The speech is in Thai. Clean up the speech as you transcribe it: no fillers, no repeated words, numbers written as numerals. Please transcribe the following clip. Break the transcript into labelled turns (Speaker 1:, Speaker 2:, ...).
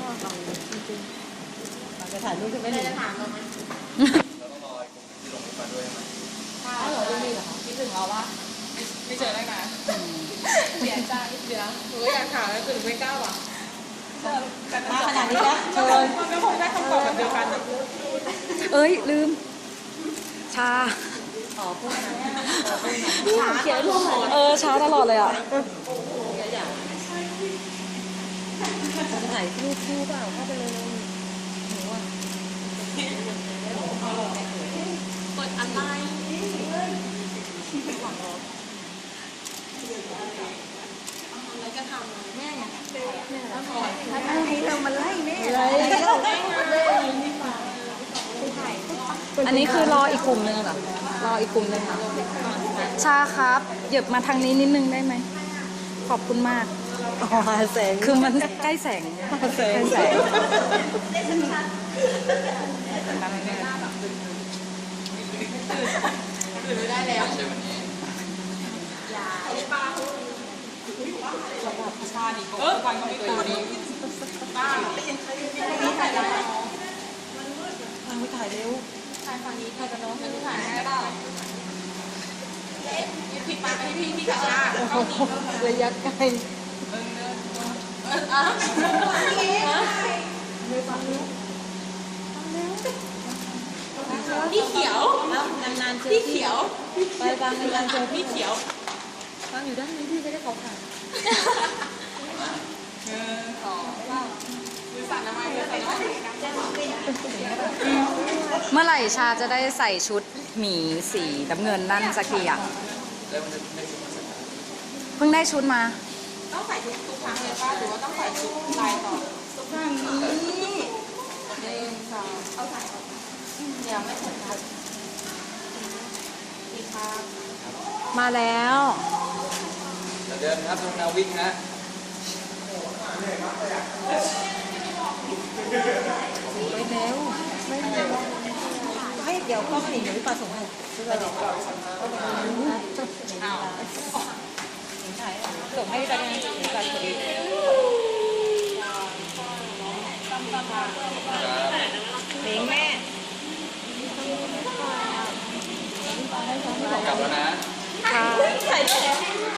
Speaker 1: จะถ่ายรูปไม่ได้จะถามเราไหมเราต้องรอที่ลงมาด้วยไหมใช่เหรอไม่มีเหรอคิดถึงเราวะไม่เจอได้ไงเสียใจเดี๋ยวหนูอยากถามแล้วถึงไม่กล้าว่ะมาขนาดนี้แล้วเชิญมันก็คงได้คำตอบแบบเดียวกัน
Speaker 2: เอ้ยลืมชา
Speaker 1: พูดนะ
Speaker 2: เขียนช้าตลอดเลยอ่ะ
Speaker 1: ถ่ายรูปคู่เปล่าเข้าไปเลยหนูอ่ะกดอะไรอะไรก็ทำแม่เนี่ยเรามาไล่แม่
Speaker 2: อันนี้คือรออีกกลุ่มนึงเหรอรออีกกลุ่มนึงค่ะชาครับเหยียบมาทางนี้นิดนึงได้ไหมขอบคุณมาก
Speaker 1: แสง
Speaker 2: คือมันใกล้แสง
Speaker 1: แสงได้แล้วชาดิฟังเขาไม่ตัวนี้ป้าถ่ายแล้วไม่ถ่ายเร็วถ่ายฝั่งนี้ถ่ายกันเนาะถ่ายได้เปล่าผิดมาไปพี่ชาระยะไกลพี่เขียวนานๆเจอพี่เขียวไปบางนานๆเจอพี่เขียวบางอยู่ด้านนี้พี่จะได้เขาผ่าน
Speaker 2: เมื่อไหร่ชาจะได้ใส่ชุดหมีสีน้ำเงินนั่นสักทีอ่ะเพิ่งได้ชุดมา
Speaker 1: ต้องใส่ทุกครั้งเลยป่ะหรือว่าต้องใส่ชุดลายต่อทุกครั้งนี้1 2เอาใส่เดี๋ยวไม่ใส่ครับดีครับ
Speaker 2: มาแล้ว
Speaker 1: เดินครับลงนาวิ่งนะไปแล้วให้เดี๋ยวก็หนีหนูปลาส่งให้ซื้อไปเดี๋ยวส่งให้ไปเนี่ย